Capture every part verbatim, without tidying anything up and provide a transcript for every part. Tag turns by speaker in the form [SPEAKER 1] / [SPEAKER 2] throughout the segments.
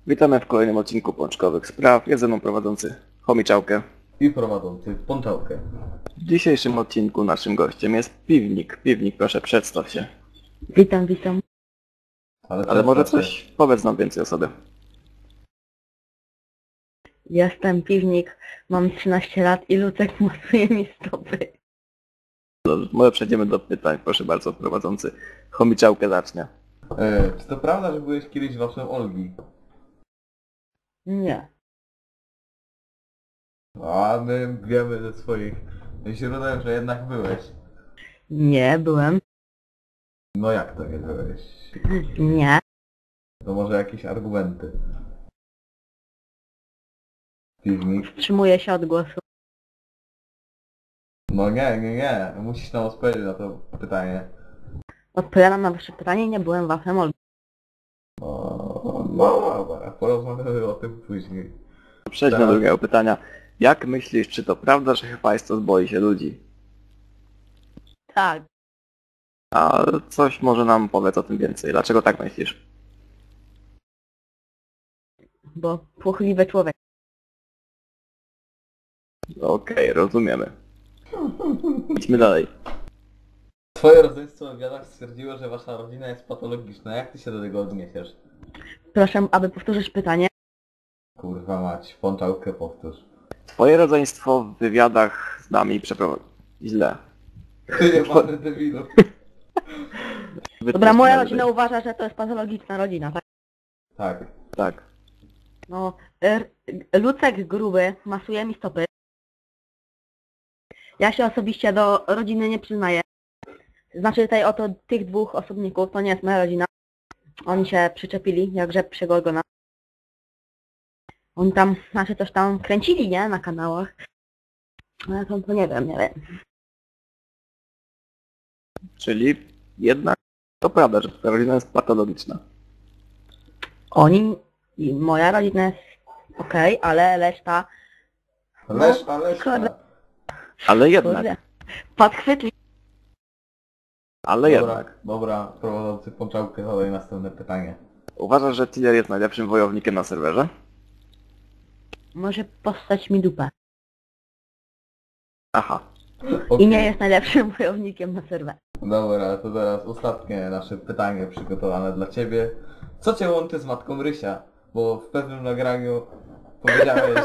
[SPEAKER 1] Witamy w kolejnym odcinku Pączkowych Spraw. Jest ze mną prowadzący Chomiczałkę.
[SPEAKER 2] I prowadzący Pączałkę.
[SPEAKER 1] W dzisiejszym odcinku naszym gościem jest Piwnik. Piwnik, proszę przedstaw się.
[SPEAKER 3] Witam, witam.
[SPEAKER 2] Ale,
[SPEAKER 1] Ale może
[SPEAKER 2] przedstaw
[SPEAKER 1] coś powiedz nam więcej o sobie.
[SPEAKER 3] Jestem Piwnik, mam trzynaście lat i Lucek masuje mi stopy.
[SPEAKER 1] Dobrze, może przejdziemy do pytań. Proszę bardzo, prowadzący Chomiczałkę zacznie.
[SPEAKER 2] się. E, czy to prawda, że byłeś kiedyś waszym Olgi?
[SPEAKER 3] Nie.
[SPEAKER 2] A my wiemy ze swoich źródeł, że jednak byłeś.
[SPEAKER 3] Nie, byłem.
[SPEAKER 2] No jak to nie byłeś?
[SPEAKER 3] Nie.
[SPEAKER 2] To może jakieś argumenty. Piwnik?
[SPEAKER 3] Wstrzymuję się od głosu.
[SPEAKER 2] No nie, nie, nie. Musisz nam odpowiedzieć na to pytanie.
[SPEAKER 3] Odpowiadam na wasze pytanie, nie byłem wafem Olgi.
[SPEAKER 2] O, no dobra, porozmawiamy o tym później.
[SPEAKER 1] Przejdźmy
[SPEAKER 2] Tak.
[SPEAKER 1] do drugiego pytania. Jak myślisz, czy to prawda, że Hephaistos boi się ludzi?
[SPEAKER 3] Tak.
[SPEAKER 1] A coś może nam powiedz o tym więcej. Dlaczego tak myślisz?
[SPEAKER 3] Bo płochliwy człowiek.
[SPEAKER 1] Okej, rozumiemy. Idźmy dalej.
[SPEAKER 2] Twoje rodzeństwo w wywiadach stwierdziło, że wasza rodzina jest patologiczna. Jak ty się do tego odniesiesz?
[SPEAKER 3] Proszę, aby powtórzyć pytanie.
[SPEAKER 2] Kurwa mać, Pączałkę powtórz.
[SPEAKER 1] Twoje rodzeństwo w wywiadach z nami przeprowadzi... Źle.
[SPEAKER 2] Ty nie pan debilu.
[SPEAKER 3] Dobra, moja rodzina uważa, że to jest patologiczna rodzina, tak?
[SPEAKER 2] Tak.
[SPEAKER 1] Tak.
[SPEAKER 3] No, er, Lucek gruby masuje mi stopy. Ja się osobiście do rodziny nie przyznaję. Znaczy tutaj oto tych dwóch osobników, to nie jest moja rodzina. Oni się przyczepili jak rzep przy Gorgona. Oni tam, znaczy coś tam kręcili, nie? Na kanałach. No ja to, to nie wiem, nie wiem.
[SPEAKER 1] Czyli jednak to prawda, że twoja rodzina jest patologiczna.
[SPEAKER 3] Oni i moja rodzina jest okej, ale reszta...
[SPEAKER 2] Leszta, leszta.
[SPEAKER 3] kurde.
[SPEAKER 1] Ale jednak,
[SPEAKER 3] Kurde, podchwytli.
[SPEAKER 1] ale
[SPEAKER 2] Dobra,
[SPEAKER 1] jednak.
[SPEAKER 2] dobra, prowadzący Pączałkę, zadaj następne pytanie.
[SPEAKER 1] Uważasz, że Tiller jest najlepszym wojownikiem na serwerze?
[SPEAKER 3] Może postać mi dupę.
[SPEAKER 1] Aha.
[SPEAKER 3] I
[SPEAKER 2] Okej.
[SPEAKER 3] nie jest najlepszym wojownikiem na serwerze.
[SPEAKER 2] Dobra, to teraz ostatnie nasze pytanie przygotowane dla ciebie. Co cię łączy z matką Rysia? Bo w pewnym nagraniu powiedziałeś...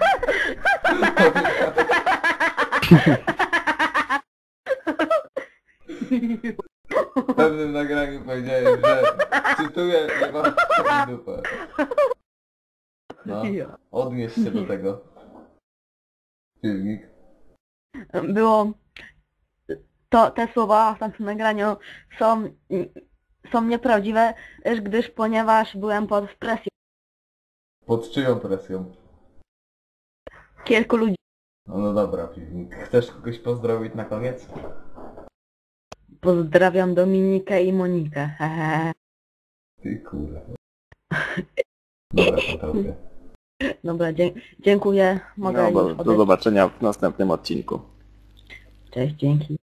[SPEAKER 2] W pewnym nagraniu powiedziałeś, że cytuję, nie mam w dupę. No, odnieś się do tego. Piwnik.
[SPEAKER 3] Było... To, te słowa w tamtym nagraniu są, są nieprawdziwe, gdyż ponieważ byłem pod presją
[SPEAKER 2] Pod czyją presją?
[SPEAKER 3] kilku ludzi.
[SPEAKER 2] No, no dobra, Piwnik. Chcesz kogoś pozdrowić na koniec?
[SPEAKER 3] Pozdrawiam Dominikę i Monikę. Hehe.
[SPEAKER 2] Ty kurwa. Dobra, Pączałkę.
[SPEAKER 3] Dobra, dzie dziękuję. Mogę
[SPEAKER 1] No,
[SPEAKER 3] już
[SPEAKER 1] do, do
[SPEAKER 3] odejść.
[SPEAKER 1] zobaczenia w następnym odcinku.
[SPEAKER 3] Cześć, dzięki.